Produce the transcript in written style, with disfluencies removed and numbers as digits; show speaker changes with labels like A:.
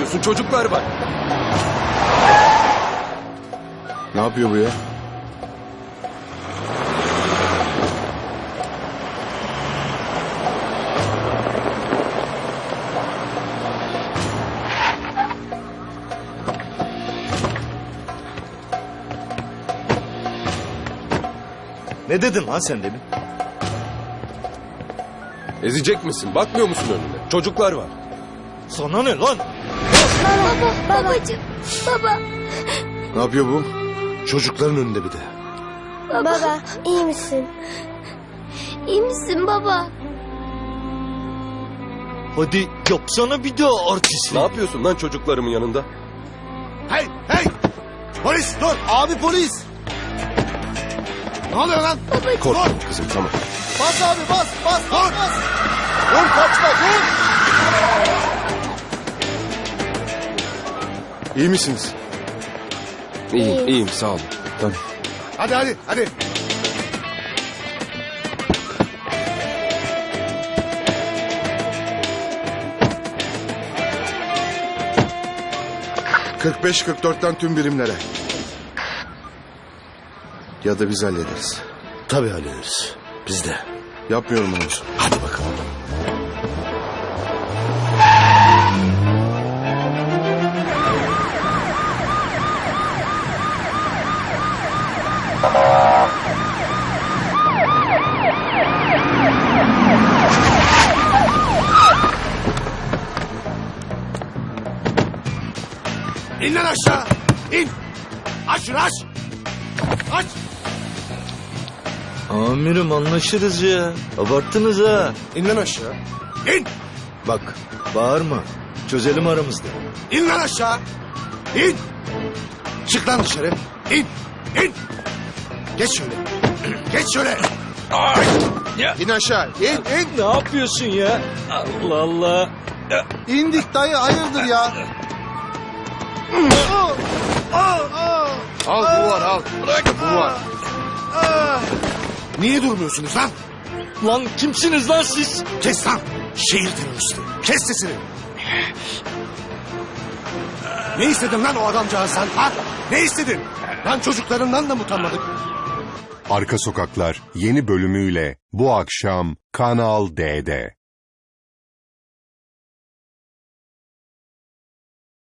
A: görmüyorsun? Çocuklar var.
B: Ne yapıyor bu ya?
C: Ne dedin lan sen demin?
A: Ezecek misin? Bakmıyor musun önüne? Çocuklar var.
C: Sana ne lan?
D: Babacığım, baba,
B: Ne yapıyor bu?
E: Çocukların önünde bir de.
D: baba, iyi misin? İyi misin baba?
C: Hadi yapsana bir daha artistlik.
A: Ne yapıyorsun lan çocuklarımın yanında?
E: Hey hey! Polis dur! Abi polis! Ne oluyor lan?
A: Korkma kızım, tamam.
E: Bas abi bas bas dur! Dur kaçma dur!
B: İyi misiniz?
A: İyiyim, iyiyim, sağ olun.
B: Tamam.
E: Hadi hadi hadi!
B: ...45-44'ten tüm birimlere. Ya da biz hallederiz.
E: Tabii hallederiz. Biz de.
B: Yapmıyorum onu.
E: Hadi bakalım. İn lan aşağı! İn! Aç şunu aç! Aç!
C: Amirim anlaşırız ya. Abarttınız ha.
E: İn lan aşağı! İn!
C: Bak bağırma. Çözelim aramızda.
E: İn lan aşağı! İn! Çık lan dışarı! İn! İn! Geç şöyle! Geç şöyle!
B: İn aşağı. İn.
C: Ne yapıyorsun ya? Allah Allah.
E: İndik dayı hayırdır ya?
B: Al bu var al. İşte bu var.
E: Niye durmuyorsunuz lan?
C: Lan kimsiniz lan siz?
E: Kes lan! Şehir teröristi! Kes sesini! Ne istedin lan o adamcağızdan ha? Ne istedin? Lan çocuklarından da mı utanmadık?
F: Arka Sokaklar yeni bölümüyle bu akşam Kanal D'de.